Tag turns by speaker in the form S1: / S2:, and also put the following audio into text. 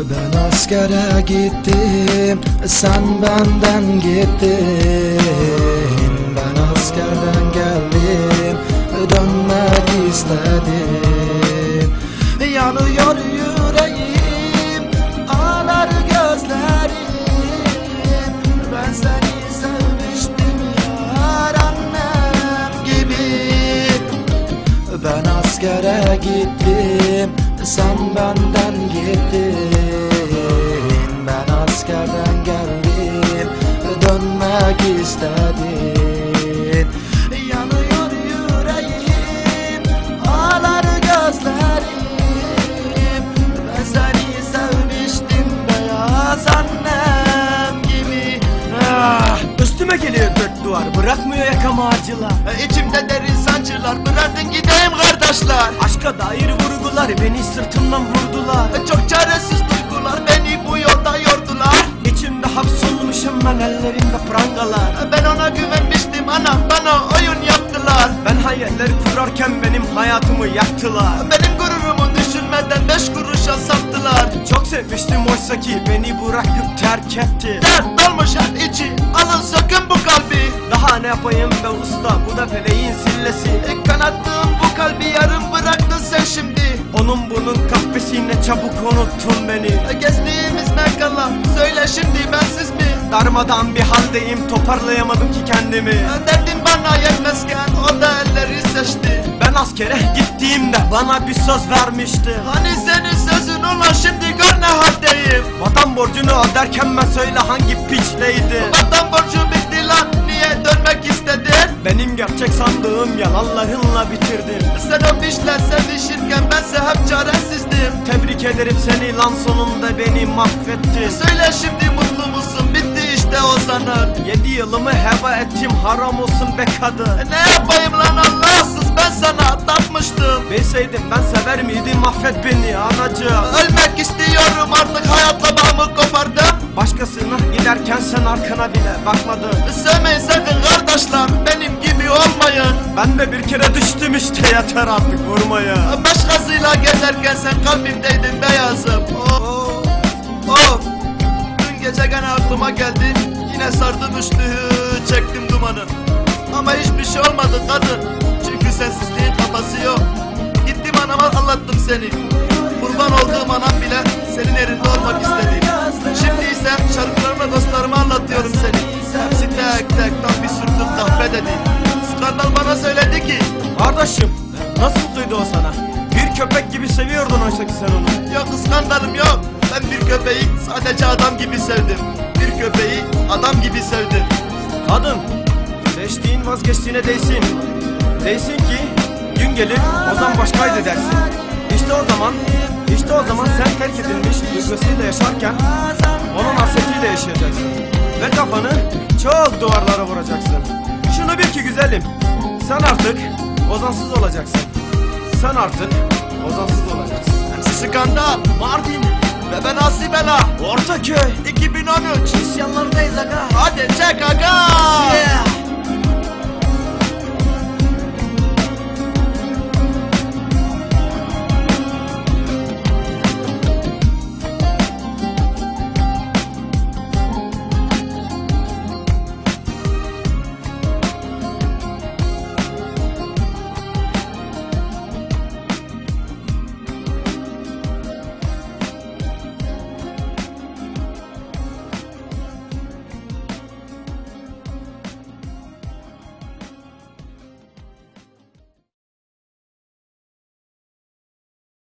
S1: Ben askere gittim, sen benden gittin. Ben askerden geldim, dönmek istedim. Yanıyor yüreğim, ağlar gözlerim. Ben seni sevmiştim yar, annem gibi. Ben askere gittim, sen benden gittin. Ben askerden geldim, dönmek istedim. Yanıyor yüreğim, ağlar gözlerim. Ben seni sevmiştim beyaz annem gibi.
S2: Üstüme geliyor dört duvar, bırakmıyor yakamı acılar.
S1: İçimde derin sancılar, bırakın gideyim kardeşler.
S2: Aşka dair vurgular beni sırtımdan vurdular.
S1: Çok çaresiz duygular beni bu yolda yordular.
S2: İçimde hapsolmuşum ben, ellerimde prangalar.
S1: Ben ona güvenmiştim, anam bana oyun yaptılar.
S2: Ben hayalleri kurarken benim hayatımı yaktılar.
S1: Benim gururumu düşünmeden 5 kuruşa sattılar.
S2: Çok sevmiştim oysa ki beni bırakıp terk etti.
S1: Dert dolmuş her içi, alın sökün bu kalbi.
S2: Daha ne yapayım be usta, bu da feleğin sillesi.
S1: Kanattığım bu kalbi yarım bıraktın sen şimdi.
S2: Onun bunun kahvesine çabuk unuttun beni.
S1: Gezdiğimiz Mekkala, söyle şimdi bensiz mi?
S2: Darmadan bir haldeyim, toparlayamadım ki kendimi.
S1: Derdin bana yetmezken o da elleri seçti.
S2: Ben askere gittiğimde bana bir söz vermişti.
S1: Hani senin sözün olan, şimdi gör ne haldeyim.
S2: Vatan borcunu öderken ben söyle hangi piçleydi.
S1: Vatan borcu bitti lan, niye dönmek istedin?
S2: Benim gerçek sandığım yalanlarınla bitirdin.
S1: Sen o pişle sevişirken bense hep çaresizdim.
S2: Tebrik ederim seni lan, sonunda beni mahvettin.
S1: Söyle şimdi mutlu musun, bitti işte o sanat.
S2: 7 yılımı heba ettim, haram olsun be kadın.
S1: Ne yapayım lan Allahsız, ben sana tapmıştım.
S2: Bilseydim ben sever miydim, mahvet beni anacığım.
S1: Ölmek istiyorum artık, hayatla bağımı kopardım.
S2: Başkasına giderken sen arkana bile bakmadın.
S1: Sevmeyin sakın kardeşler, benim gibi olmayın.
S2: Ben de bir kere düştüm işte, yeter artık vurmaya.
S1: Başkasıyla gezerken sen kalbimdeydin beyazım. Dün gece gene aklıma geldi, yine sardı düştü, çektim dumanı. Ama hiçbir şey olmadı kadın, çünkü sensizliğin kafası yok. Gittim anama anlattım seni, kurban olduğum anam bile senin yerinde olmak istedi. Şimdi ise şarkılarımla dostlarıma anlatıyorum seni. Hepsi tek tek tam bir sürtüm kahve dedi. Skandal bana söyledi ki,
S2: Kardeşim, nasıl duydu o sana? Bir köpek gibi seviyordun oysa ki sen onu.
S1: yok skandalım yok. Ben bir köpeği sadece adam gibi sevdim. Bir köpeği adam gibi sevdim.
S2: Kadın, seçtiğin vazgeçtiğine değsin. Değsin ki gün gelir Ozan başkaydı dersin. İşte o zaman sen terk edilmiş duygusuyla yaşarken onun hasretiyle yaşayacaksın. Ve kafanı çok duvarlara vuracaksın. Şunu bil ki güzelim, sen artık Ozansız olacaksın. Sen artık Ozansız olacaksın.
S1: Skandal,
S2: Mardin
S1: ve ben Asibela,
S2: Ortaköy
S1: 2013
S2: isyanlardayız aga.
S1: Hadi çek aga.
S2: Yeah.